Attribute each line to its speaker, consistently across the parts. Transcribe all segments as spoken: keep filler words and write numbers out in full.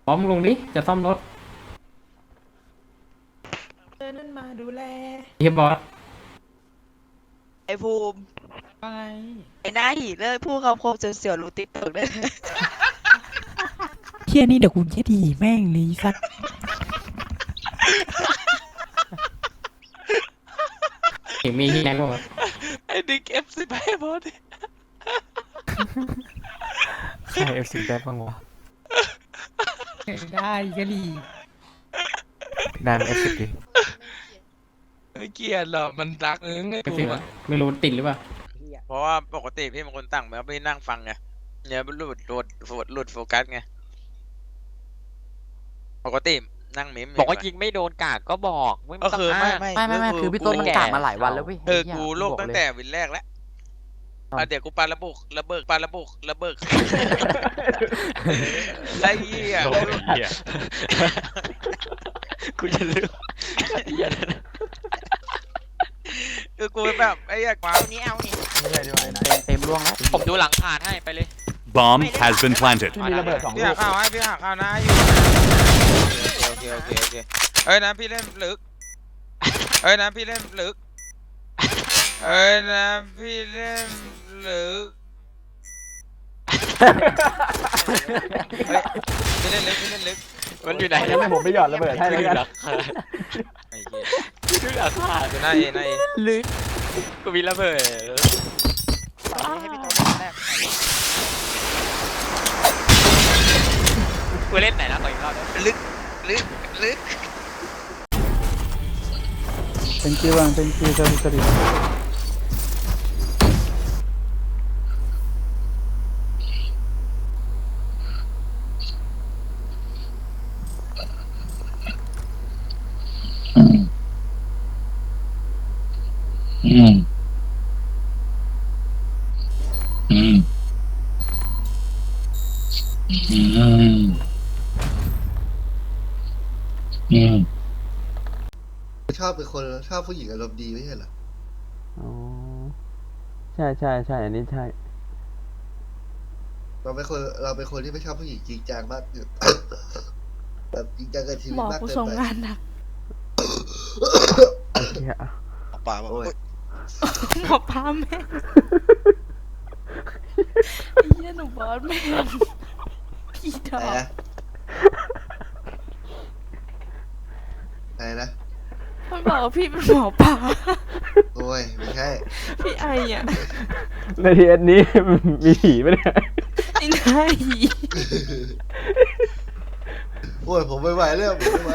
Speaker 1: พร้อมลงดิจะซ่อมรถ
Speaker 2: เออนั่นมาดูแล
Speaker 1: เฮียบอส
Speaker 3: ไอ้ภูมิ
Speaker 2: ว่าไง
Speaker 3: ไอ้หน้าหีเลิกพูดคำคมเสียวๆรู้ติ๊กตึกได้เลย
Speaker 2: เฮียนี่เดี๋ยวกูจะดีแม่งเลยสัก
Speaker 1: เห็นมีที่ไหนบ้างวะ
Speaker 3: ไอ้ดิ๊กเอฟสิบไปบอส
Speaker 4: ใครเอฟซีได้บ้างวะ
Speaker 2: ได้ก็ดี
Speaker 4: พี่นายเอฟซีดิ
Speaker 5: ไม่เกลียดหรอกมันรักเองไอ้
Speaker 1: ไม่
Speaker 5: ภู
Speaker 1: สิ
Speaker 5: มิ
Speaker 1: วะไม่รู้ติดหรือเปล่า
Speaker 5: เพราะว่าปกติพี่เป็นคนตั้งแบบไม่นั่งฟังไงเนี่ยมันหลุดหลุดหลุดหลุดโฟกัสไงปกตินั่งเมม
Speaker 6: บอกว่ายิงไม่โดนกากก็บอกไม่
Speaker 5: ก็
Speaker 6: ต้อง
Speaker 5: คือไม่
Speaker 6: อ้าง
Speaker 5: ไม่
Speaker 4: ไม่ไม่ไม่คือพี่ต้นมันกากมาหลายวันแล้วเว้ย
Speaker 5: เออกูโลกตั้งแต่วินแรกแล้วอ่ะเดี๋ยวกูปาระบุกระเบิกปาระบุกระเบิกไอ้เหี้ย
Speaker 6: กูจะลืม
Speaker 5: คือกูแบบไอ้เหี้ยความ
Speaker 3: นี้เอานี่
Speaker 4: ไม่ใช่ด้วยนะเต็มร่วงแล้ว
Speaker 6: ผมดูหลังผ่านให้ไปเลย
Speaker 7: Bomb has been planted.
Speaker 4: มีระเบิดสอง
Speaker 5: พี่
Speaker 4: ลู
Speaker 5: หาก ข้าวให้พี่หาข้าวนะอยู่โอเคโอเคโอเคเอ้ยนะพี่เล่นลึกเอ้ยนะพี่เล่นลึกเอ้ยนะพี่เล่นลึกเฮ้ยพี่เล่นลึกพี่เล่นลึก
Speaker 6: มันอยู่ไหน
Speaker 4: ให้ผมไปหยอดระเบิดให้แล้วกัน
Speaker 5: ไอ้เหี้ย
Speaker 6: ดูหลังผ่าน
Speaker 5: อยู่หน้าเอหน้าเอ
Speaker 6: ลึกกูมีระเบิด
Speaker 3: ให้พี่โต๊ะแรก
Speaker 6: กูเล่นไหนนะขออีกรอบได้ไหม
Speaker 5: ลึกลึกลึก
Speaker 4: thank you bang thank you sorry sorry
Speaker 8: อืมอืมอืมอืม
Speaker 9: ชอบเป็นคนชอบผู้หญิงอารมณ์ดีไม่ใช่เหรอ
Speaker 4: อ๋อใช่ใช่ใช่อันนี้ใช่
Speaker 9: เราเป็นคนเราเป็นคนที่ไม่ชอบผู้หญิงจริงจังมาก แบบจริงจังกับชีวิ
Speaker 2: หม
Speaker 9: ต
Speaker 2: อ
Speaker 9: มาก
Speaker 2: กู
Speaker 9: เกิน
Speaker 2: ส่ง
Speaker 9: ไป
Speaker 2: งานหนัก
Speaker 4: เหี้ย
Speaker 9: ป่าโอ้ย
Speaker 2: หมอพาแม่งไอ้เหี้ยหนูบอสแม่งพี่ดอ
Speaker 9: อะไร
Speaker 2: ก
Speaker 9: นะอะไรนะ
Speaker 2: มันบอกว่าพี่เป็นหมอปลา
Speaker 9: โอ้ยไม่ใช่
Speaker 2: พี่ไออ่ะ
Speaker 4: ในทีเอสนี้มีผีไหมเนี่ย
Speaker 2: ไอ้หน้าหี
Speaker 9: โอ้ยผมไม่ไหวแล้วผมไม่ไหว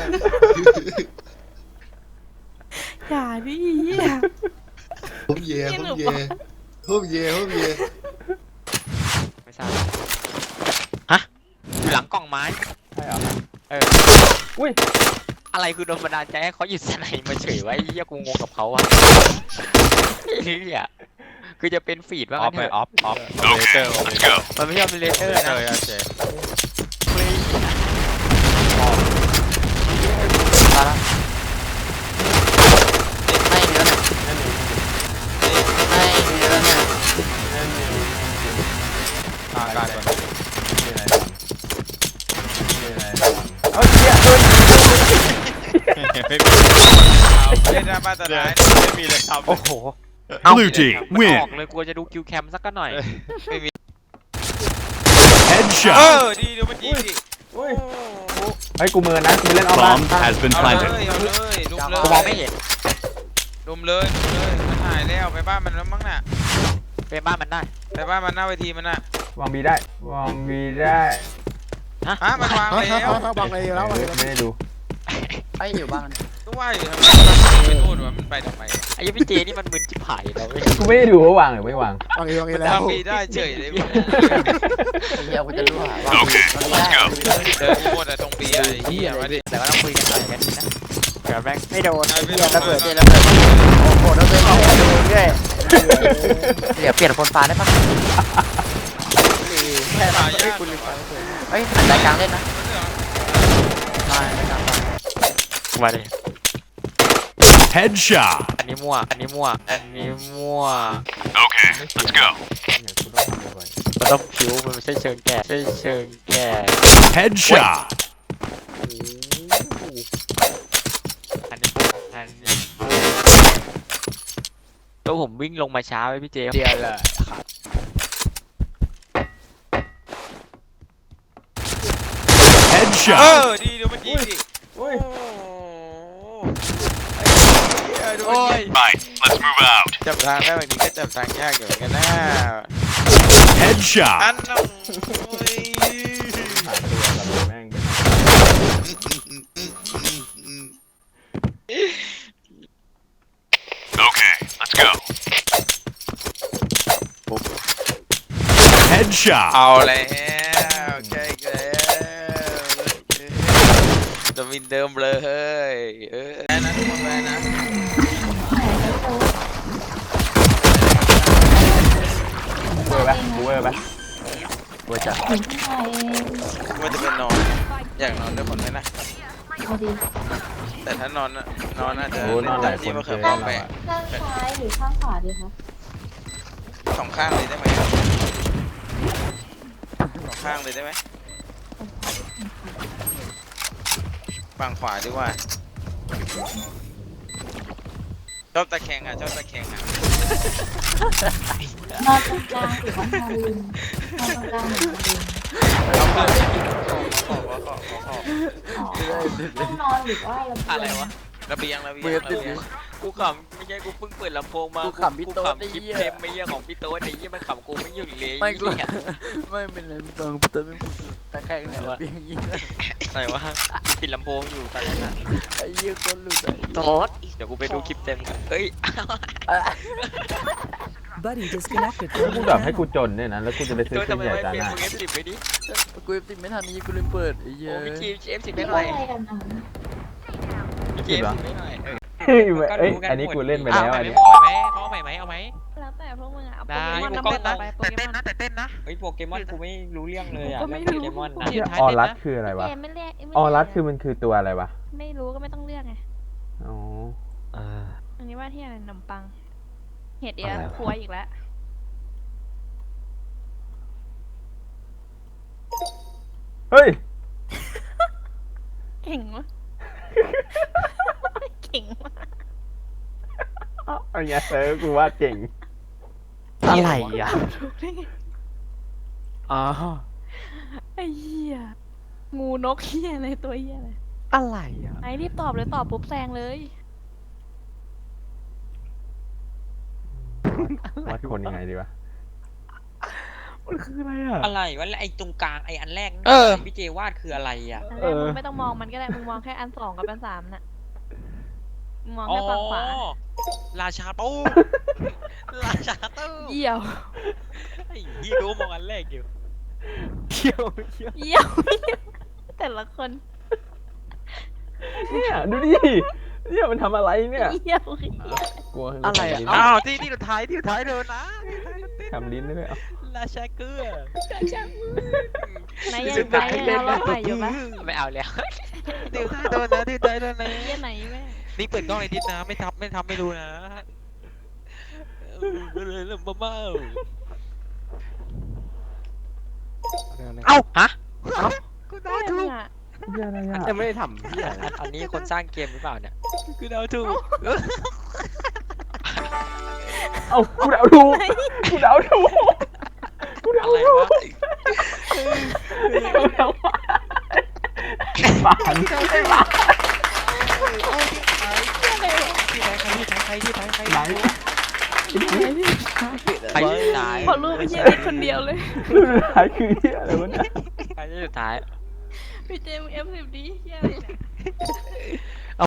Speaker 2: อย่าดิเหี้ย
Speaker 9: ผมเย่ผมเย่ผมเย่ผมเย่
Speaker 6: ไม่ทราบฮะอยู่หลังกล่องไม้
Speaker 4: ใช่เหรอ
Speaker 6: เออ
Speaker 4: อุ้ย
Speaker 6: อะไรคือโดนบันดาลใจให้เขาหยุดสไนมาเฉยไว้เหี้ยกูงงกับเขาอะไอ้เหี้ยคือจะเป็นฟีดว่างั้นเถอะ
Speaker 5: ออฟออฟ
Speaker 7: Okay, let's go.
Speaker 6: มันไม่ใช่เลเตอร์นะ
Speaker 5: เลยโอเค
Speaker 4: ตายละไม่มีแล้วเนี่ยไม่มีแล้วเนี่ย
Speaker 5: อ่าการก่อน
Speaker 4: เอาเหี้ยโดน
Speaker 5: ไม่มีเล่นหน้าบ้านตลาดไม่มีเลยครับ
Speaker 4: โอ้โห
Speaker 7: Blue team
Speaker 6: ไม่อ
Speaker 7: win.
Speaker 6: อกเลยกลัวจะดูคิวแคมสักหน่อย
Speaker 5: ไม่มีเอ
Speaker 7: Headshot.
Speaker 5: อดีดูมันยิงดิ
Speaker 4: อุ้ยเฮ้ยกูมือนะกูไปเล่นออฟบ้าน
Speaker 7: Bomb has been
Speaker 5: เอาเลย
Speaker 7: planted.
Speaker 5: เอาเลยลุมเลย
Speaker 6: กูมองไม่เห็น
Speaker 5: ลุมเลยลุมเลยมันหายแล้วไปบ้านมันแล้วมั้งน่ะ
Speaker 6: เป็นบ้านมันได้
Speaker 5: ไปบ้านมันหน้าเวทีมันน่ะ
Speaker 4: วางบีได้วางบีได้
Speaker 5: ฮะมันวางแล้ว
Speaker 4: วางเลยแล้วไม่ได้ดู
Speaker 6: ไอ้อยู่บ้าน
Speaker 5: ก็ว่าอยู่ทำไมมันไปนู่นวะมันไปทำไมวะ
Speaker 6: ไอ้ยี่พี่เจนี่มันมึนจิ๋ผายเราเว้ย
Speaker 4: กูไม่ได้ดูว่าวางหรือไม่วาง
Speaker 9: วางเองวางเอง
Speaker 5: มัน
Speaker 9: แล้ว
Speaker 5: ทำปีได้เฉยเลย
Speaker 4: เฮียกูจะรู้ว่า
Speaker 7: Okay, let's go.
Speaker 5: เดินหมดอะตรงปีอะไอ้เหี้ยมาดิ
Speaker 6: แต่ก็ต้องคุยกันหน่อยกันนะเดี๋ยวแม่งไม่โดน
Speaker 5: ไอ้พี่
Speaker 6: ระเบิด
Speaker 5: เจ
Speaker 6: ระเบิดโอ้โหระเบิดโอ้โหโดนด้วยเดี๋ยวเปลี่ยนคนฟ้าได้ปะ
Speaker 5: แค่หายาก
Speaker 6: เฮ้ยหันรายกลางเล่นนะมารายกลางมาดิ
Speaker 7: Headshot.
Speaker 6: อันนี้มั่วอันนี้มั่วอันนี้มั่ว
Speaker 7: Okay, let's go.
Speaker 6: มันต้องผิวมันไม่ใช่เชิงแก่ใช่เชิงแก่
Speaker 7: Headshot.
Speaker 6: ตัวผมวิ่งลงมาช้าไปพี่เจเดียวเลย
Speaker 5: เอ
Speaker 7: Headshot.
Speaker 5: อดีดูมันยิงดิ
Speaker 4: อุ้ย
Speaker 5: ไอ้เหี้ยดู
Speaker 6: โอ้
Speaker 5: มัน
Speaker 6: ย
Speaker 5: ยิง
Speaker 7: Right, let's move out.
Speaker 5: จับทางได้แบบนี้ก็จับทางยากอยู่เหมือนกันนะ
Speaker 7: Headshot.
Speaker 5: อันน้องโอ้ย
Speaker 4: ผ่านตัวกับแม่งเป็น
Speaker 7: Okay, let's go. Headshot.
Speaker 5: เอาแล้วใช่แล้วจะมินเดิมเลยเฮ้ยเออแพ้นะทุกคนแพ้นะ
Speaker 4: เวอร์ปะกูเวอร์ปะ
Speaker 6: เวอร์จัด
Speaker 5: ว่าจะเป็นนอนอยากนอนด้วยคนไหมนะแต่ถ้านอนน่ะนอนอาจจะ
Speaker 4: โอ้นอนหลายคน
Speaker 5: ที่มะ
Speaker 4: เกิ
Speaker 5: เขือน พ
Speaker 4: เรา
Speaker 5: วงไป
Speaker 4: อะ
Speaker 10: ข้างซ้ายหรือข้างขวาดีคะ
Speaker 5: สองข้างเลยได้ไหมสองข้างเลยได้ไหมฝั่งขวาดีกว่าชอบตะแคงอ่ะชอบตะแคงอ่ะ
Speaker 10: นอนตรงกลางหรือว่านอนริมนอนตรงกลางหรือ นอนริม
Speaker 5: เอาเพื่อนขอขอขอขอขอ
Speaker 10: อ๋อต้องนอนหรือว่าระเบียง
Speaker 6: อะไรวะ
Speaker 5: ระเบียงระเบียง
Speaker 6: เบื่อ
Speaker 5: ระ
Speaker 6: ติด
Speaker 5: เบียง
Speaker 6: กูขำไม่ใช่กูเพิ่งเปิดลำโพงมา
Speaker 2: กูขำพี่โต๊ด
Speaker 6: กู
Speaker 2: ไอ้
Speaker 6: ขำคลิป
Speaker 2: เหี้ย
Speaker 6: เทมไม่เยี่ยของพี่โต๊ดไอ้เยี่ยมันขำกูไม่หยุดเลย
Speaker 2: ไม่กู
Speaker 6: เหี้ย
Speaker 2: ไม่เป็นไรมึงฟังพี่เติร์ดไม่พูดตะแคงเนี่ยเปียงยิง
Speaker 6: ไหนวะปิดลำโพงอยู่ตอนนั้นน่ะ
Speaker 2: ไอ้เหี้ยคนหลุดไอ้
Speaker 6: โต๊ดเดี๋ยวกูไปดูคลิปเต็มกันเฮ้ย
Speaker 11: Buddy disconnected
Speaker 4: แล้ว
Speaker 11: from
Speaker 4: กู
Speaker 11: your
Speaker 4: แบบให้กู
Speaker 11: channel.
Speaker 4: จนเนี่ยนะแล้วกูจะไปซื้อ
Speaker 6: โต๊ด
Speaker 4: เครื่
Speaker 6: ทำ
Speaker 4: อง
Speaker 6: ไม
Speaker 4: ใหญ่
Speaker 6: ไม่
Speaker 4: จาน
Speaker 6: เปลี่ยน
Speaker 4: หน้า
Speaker 6: มึงเอฟสิบไปดิ
Speaker 2: กูติดไม่ทันนี้กูลืมเปิดไอ้เหี้ย
Speaker 6: โอ้พี่จีเอฟสิบ
Speaker 10: คิ
Speaker 6: ไม่
Speaker 10: ด
Speaker 6: หน่
Speaker 10: ว่า
Speaker 6: อย
Speaker 10: อะไรกันอ่ะ
Speaker 6: พี่จีเอฟสิบไม่หน่อย
Speaker 4: เฮ้ยเอ้ยอันนี้กูเล่นไปแล้วอันนี้
Speaker 6: เอาไหมเอาไหมเอาไหม
Speaker 10: แล้วแต่พวกมึงอ่ะเอา
Speaker 6: ได้
Speaker 10: โปเกมอน
Speaker 6: กู
Speaker 10: น้ำ
Speaker 6: ก็
Speaker 10: เปิด
Speaker 6: ง
Speaker 10: ต่อง ไปโปเกมอน
Speaker 6: แต่เต้นนะเฮ้ยโปเกมอนกูไม่รู้เรื่องเลยอ่ะ
Speaker 10: กูก็ไม่
Speaker 6: เรื่อง
Speaker 10: รู้
Speaker 6: โปเกมอนนะ
Speaker 4: เหี้ยออรัสคืออะไรวะ
Speaker 10: เกมไม่เรียกไม่
Speaker 4: ออรัส
Speaker 10: เยก
Speaker 4: คือมันคือตัวอะไรวะ
Speaker 10: ไม่รู้ก็ไม่ต้องเลือกไง
Speaker 4: อ๋อ
Speaker 10: อันนี้ว่าที่อะไรขนมปัง เห็ดเดียว
Speaker 4: อะไรวะ
Speaker 10: ครัวอีกแล้ว
Speaker 4: เฮ้ย
Speaker 10: เก่งวะ เก่งวะ
Speaker 4: เอาไงเออกูว่าเจ๋ง
Speaker 2: อะไรอ่ะ
Speaker 10: ถูกได้ไง
Speaker 2: อ๋อ
Speaker 10: ไอ้เหี้ยงูนกเหี้ยอะไรตัวเหี้ยอะไร
Speaker 2: อะไรอ่ะ
Speaker 10: ไอ้รีบตอบเลยตอบปุ๊บแซงเลย
Speaker 4: วัดคนยังไงดีวะ
Speaker 2: มันคืออะไรอ่ะ
Speaker 6: อะไรวะแล้วไอ้ตรงกลางไอ้อันแรกนั่น
Speaker 2: เออ
Speaker 6: พี่เจวาดคืออะไรอ่ะ
Speaker 10: อัน
Speaker 4: เอ
Speaker 10: แรก
Speaker 4: อ
Speaker 10: มึงไม่ต้องมองมันก็ได้ มึงมองแค่อันสองกับอันสามน่ะมึงมอง
Speaker 6: อ๋อ
Speaker 10: แค่ฝั่งขวา
Speaker 6: ราชาตู้ราชาตู้
Speaker 10: เยี่ยว
Speaker 6: ไอ้ยี่รู้มองอันแรกอยู่
Speaker 2: เที่ยวเที่ยว
Speaker 10: เยี่ยว แต่ละคน
Speaker 4: เนี่ยดูดิเนี่ยมันทำอะไรเนี่ย
Speaker 10: เยี่ยวเหี้ย
Speaker 4: กลัว
Speaker 2: อะไรอ่ะ
Speaker 4: ลิ้น
Speaker 6: อ้าวที่ที่สุดท้ายที่สุดท้ายเดินนะ
Speaker 4: ทำลิ้นด้วยเอา
Speaker 6: ราชาเกลือ
Speaker 10: ไหนยังไงยังเอารอบใหม่อยู่ปะ
Speaker 6: ไม่เอาแล้ว
Speaker 5: ที่ท้ายโดนนะที่ท้ายโดนนะ
Speaker 10: เยี่ยไหนแม่
Speaker 5: นี่เปิดกล้องในดิสนะไม่ทำไม่ทำไม่รู้นะเลยเริ่มบ้า
Speaker 6: เอ้าฮะ
Speaker 5: กู
Speaker 10: เยี่
Speaker 5: เดาย ถู
Speaker 10: มึ
Speaker 5: ก
Speaker 10: งอ่ะ
Speaker 4: เหี้ยอะไรอ่ะ
Speaker 2: ยังไม่ได้ทำเหี้ยอะไร
Speaker 6: อันอันนี้คนสร้างเกมหรือเปล่าเนี่ย
Speaker 5: กูเดาถูก
Speaker 4: เอ้ากูเดาถูกกูเดาถูกกูเดา
Speaker 6: อะไร
Speaker 4: ถูก
Speaker 6: วะ
Speaker 4: กูเดาฝัน
Speaker 5: ที่ท้ายใครที่ท้ายใครที่ท้ายใคร
Speaker 4: ไหน
Speaker 6: ใครที่สุดท้าย
Speaker 10: พอรูปไม่ใช่นิดคนเดียวเลย
Speaker 4: รูปสุดท้ายคือเหี้ยอะไรวะเนี่ย
Speaker 6: ใครที่สุดท้าย
Speaker 10: พี่เจมเอฟสิบดีเยี่ยอะไรเนี่ย